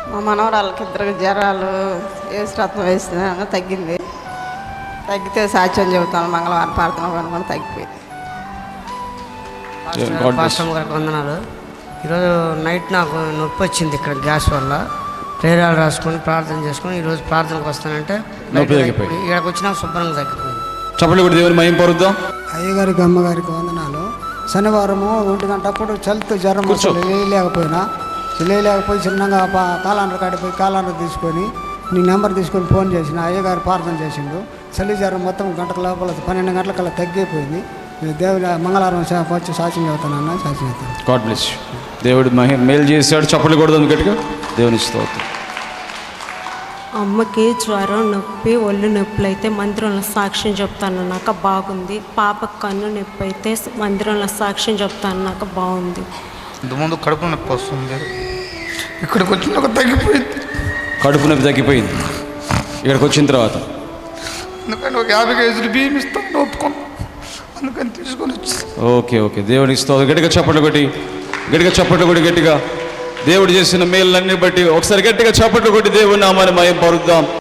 మా మనవరాళ్ళకి ఇద్దరికి జ్వరాలు ఏసురత్నం వేసిన తగ్గింది. తగ్గితే సాక్ష్యం చెబుతాను. మంగళవారం ప్రార్థన అనుకుని తగ్గిపోయింది. పాస్టర్ గారికి వందనాలు. ఈరోజు నైట్ నాకు నొప్పి వచ్చింది ఇక్కడ గ్యాస్ వల్ల. ప్రేరాలు రాసుకొని ప్రార్థన చేసుకొని ఈరోజు ప్రార్థనకు వస్తానంటే ఇక్కడికి వచ్చినా శుభ్రంగా తగ్గిపోయింది. చెప్పండి కూడా దేవుని మహిమ పరుద్దాం. అయ్యగారికి అమ్మగారికి వందనాలు. శనివారము 1 గంట అప్పుడు చలితో జ్వరం లేకపోయి చిన్నగా కాలాండ్ర కాడిపోయి కాలాండ్ర తీసుకొని నీ నెంబర్ తీసుకొని ఫోన్ చేసిన అయ్యగారు ప్రార్థన చేసిండు. చలి జ్వరం మొత్తం గంటల లోపల 12 గంటలకల్లా తగ్గిపోయింది. దేవుడు మంగళవారం వచ్చి సాక్ష్యం చెబుతానన్నా సాక్ష్యం చెప్తాను. God bless you. దేవుడు మేలు చేశాడు. చప్పట్లు కొడదాం గట్టిగా. దేవుని స్తోత్రం. అమ్మకి జ్వరం నొప్పి ఒళ్ళు నొప్పులు అయితే మందిరంలో సాక్ష్యం చెప్తాను నాకు బాగుంది. పాపకు కన్ను నొప్పి అయితే మందిరంలో సాక్ష్యం చెప్తాను నాకు బాగుంది. ఇంతకుముందు కడుపు నొప్పి వస్తుంది, ఇక్కడికి వచ్చినాక తగ్గిపోయింది. కడుపు నొప్పి తగ్గిపోయింది ఇక్కడికి వచ్చిన తర్వాత. అందుకని ఒక 50 కేజీలు బియ్యం ఇస్తాను ఒప్పుకున్నాను. అందుకని తీసుకొని వచ్చి ఓకే దేవునికి స్తోత్రం. గట్టిగా చప్పట్లు కొట్టి గట్టిగా దేవుడు చేసిన మేళ్ళన్నీ బట్టి ఒకసారి గట్టిగా చప్పట్లు కొట్టి దేవుని నామాన్ని మహిమ పరుద్దాం.